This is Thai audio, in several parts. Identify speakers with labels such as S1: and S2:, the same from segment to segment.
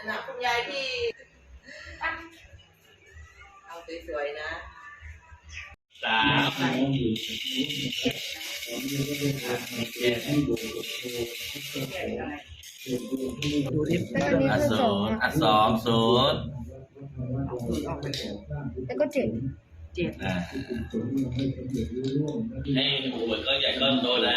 S1: นะคุณยายที่เอาสวยๆนะ
S2: สาม
S3: ดูดิ
S2: อ่ะศูนย์อ่ะสองศูนย์
S3: แล้วก็เจ็ด
S2: อ่ะให้หัวก็ใหญ่ก็โตนะ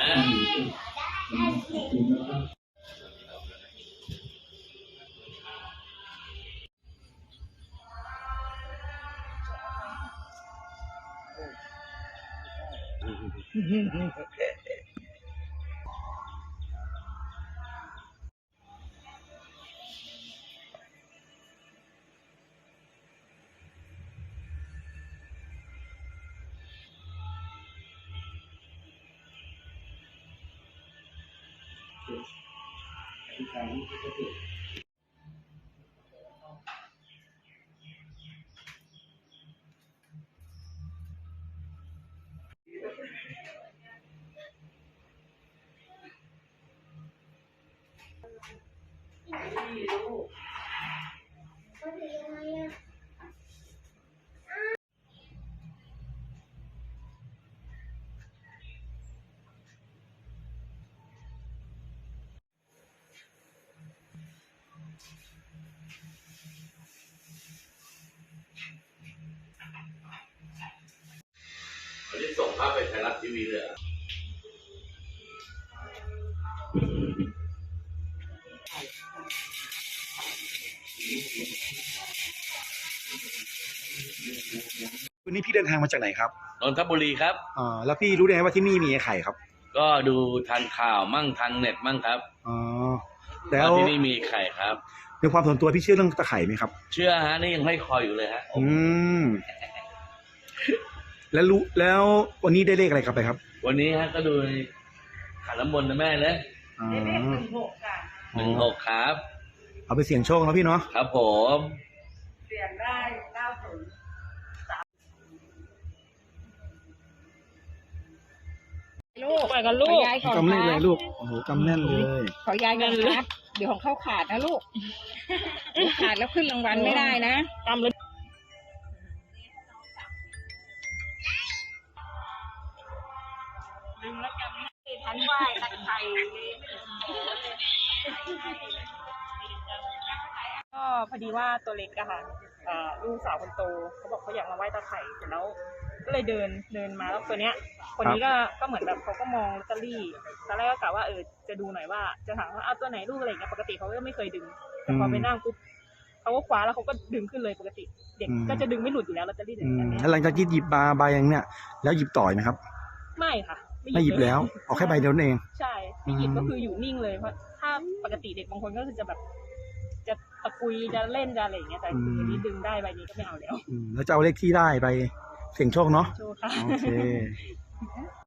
S2: วันนี้ส่งภาพไปไทยรัฐทีวีเลยอ่ะ
S4: วันนี้พี่เดินทางมาจากไหนครับ
S2: นนทบุรีครับ
S4: แล้วพี่รู้ได้ไงว่าที่นี่มีไข่ครับ
S2: ก็ดูทางข่าวมั่งทางเน็ตมั่งครับ
S4: แล้ว
S2: ที่นี่มีไข่ครับ
S4: ในความส่วนตัวพี่เชื่อเรื่องตะไคร่ไหมครับ
S2: เชื่อฮะนี่ยังให้คอยอยู่เลยฮะ
S4: แล้ววันนี้ได้เลขอะไรครับไปครับ
S2: วันนี้ฮะก็ดูขันน้ำมนต์นะแม่เลย
S1: เลข16ค่ะ
S2: 16ครับ
S4: เอาไปเสี่ยงโชคนะพี่เนาะ
S2: ครับผม
S1: เสี่ยงได้90
S3: ลูกไปกันลูกยายก่อน
S4: กำแน่นเลยลูกโอ้โหกำแน่นเลย
S3: ขอยายกันครับเดี๋ยวของเข้าขาดนะลูกขาดแล้วขึ้นรางวัลไม่ได้นะกำเลยดึงแล้วกำไม่ทันไหวตะไคร้ก็พอดีว่าตัวเล็กอะค่ะลูกสาวคนโตเขาบอกเขาอยากมาไหว้ตะไคร้เสร็จแล้วก็เลยเดินมาแล้วตัวเนี้ยคนนี้ก็เหมือนแบบเขาก็มองลอตเตอรี่ตอนแรกก็กะว่าจะดูหน่อยว่าจะถามว่าเอาตัวไหนลูกอะไรอย่างเงี้ยปกติเขาก็ไม่เคยดึงแต่พอไปนั่งปุ๊บเขาก็คว้าแล้วเขาก็ดึงขึ้นเลยปกติเด็กก็จะดึงไม่หลุดอยู่แล้วลอตเตอรี่อย่างเงี้ย
S4: แล้วหลังจากที่หยิบใบอย่างเนี้ยแล้วหยิบต่อยไหมครับ
S3: ไม่ค่ะ
S4: ไม่หยิบแล้วเอาแค่ใบเดียวเอง
S3: ใช่ไม่หยิบก็คืออยู่นิ่งเลยเพราะถ้าปกติเด็กบางคนก็คือจะแบบจะตะกุยจะเล่นจะอะไรอย่างเงี้ยแต่ทีนี้ดึงได้ใบนี้ก็ไม่เอาแล้ว
S4: แล้วจะเอาเลขที่ได้ไปเสี่ยงโชคเนาะ
S3: โชคค่ะ
S4: โอเค